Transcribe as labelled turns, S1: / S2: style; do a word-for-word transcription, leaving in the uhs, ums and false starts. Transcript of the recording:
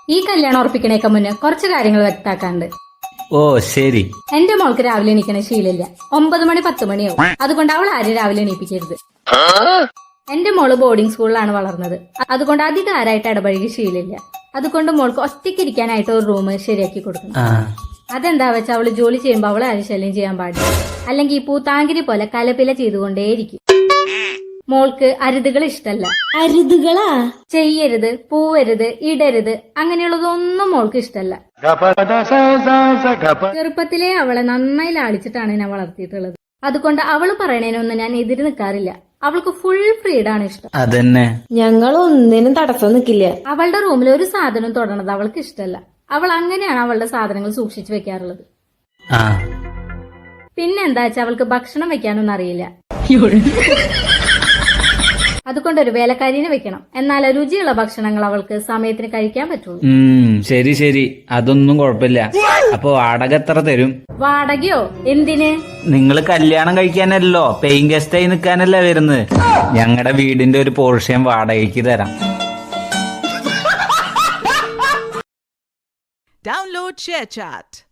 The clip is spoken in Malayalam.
S1: ഈ കല്യാണം ഉറപ്പിക്കണേക്ക് മുന്നേ കുറച്ച് കാര്യങ്ങൾ വ്യക്താക്കാണ്ട്.
S2: ഓ ശരി.
S1: എന്റെ മോൾക്ക് രാവിലെ എണീക്കണ ശീലമില്ല. ഒമ്പത് മണി പത്ത് മണിയാവും. അതുകൊണ്ട് അവൾ ആരും രാവിലെ എണീപ്പിക്കരുത്. എന്റെ മോള് ബോർഡിംഗ് സ്കൂളിലാണ് വളർന്നത്. അതുകൊണ്ട് അധികം ആരായിട്ട് ഇടപഴകി ശീലമില്ല. അതുകൊണ്ട് മോൾക്ക് ഒറ്റയ്ക്ക് ഇരിക്കാനായിട്ട് ഒരു റൂം ശരിയാക്കി കൊടുക്കണം. അതെന്താ വെച്ചാൽ അവള് ജോലി ചെയ്യുമ്പോ അവളെ ആരും ശല്യം ചെയ്യാൻ പാടില്ല. അല്ലെങ്കിൽ ഈ പൂത്താങ്കിരി പോലെ കലപില ചെയ്തുകൊണ്ടേയിരിക്കും. മോൾക്ക് അരുതുകൾ ഇഷ്ടല്ല.
S3: അരുതുകളാ?
S1: ചെയ്യരുത്, പൂവരുത്, ഇടരുത്, അങ്ങനെയുള്ളതൊന്നും മോൾക്ക് ഇഷ്ടല്ല. ചെറുപ്പത്തിലേ അവളെ നന്നായി ലാളിച്ചിട്ടാണ് ഞാൻ വളർത്തിയിട്ടുള്ളത്. അതുകൊണ്ട് അവള് പറയണേനൊന്നും ഞാൻ എതിര് നിൽക്കാറില്ല. അവൾക്ക് ഫുൾ ഫ്രീഡാണ് ഇഷ്ടം.
S2: അതന്നെ,
S3: ഞങ്ങൾ ഒന്നിനും തടസ്സം നിൽക്കില്ല.
S1: അവളുടെ റൂമിൽ ഒരു സാധനം തൊടണത് അവൾക്ക് ഇഷ്ടല്ല. അവൾ അങ്ങനെയാണ് അവളുടെ സാധനങ്ങൾ സൂക്ഷിച്ചു വെക്കാറുള്ളത്. പിന്നെന്താ വെച്ചാൽ അവൾക്ക് ഭക്ഷണം വെക്കാനൊന്നും അറിയില്ല. അതുകൊണ്ട് ഒരു വേലക്കാരിനെ വെക്കണം. എന്നാൽ രുചിയുള്ള ഭക്ഷണങ്ങൾ അവൾക്ക് സമയത്തിന് കഴിക്കാൻ പറ്റുള്ളൂ.
S2: ശരി ശരി, അതൊന്നും കുഴപ്പമില്ല. അപ്പൊ വാടക എത്ര തരും?
S1: വാടകയോ? എന്തിന്?
S2: നിങ്ങള് കല്യാണം കഴിക്കാനല്ലോ, പെയിങ് ഗസ്റ്റായി നിൽക്കാനല്ലേ വരുന്നത്. ഞങ്ങളുടെ വീടിന്റെ ഒരു പോർഷൻ വാടകയ്ക്ക് തരാം.
S4: Download ShareChat.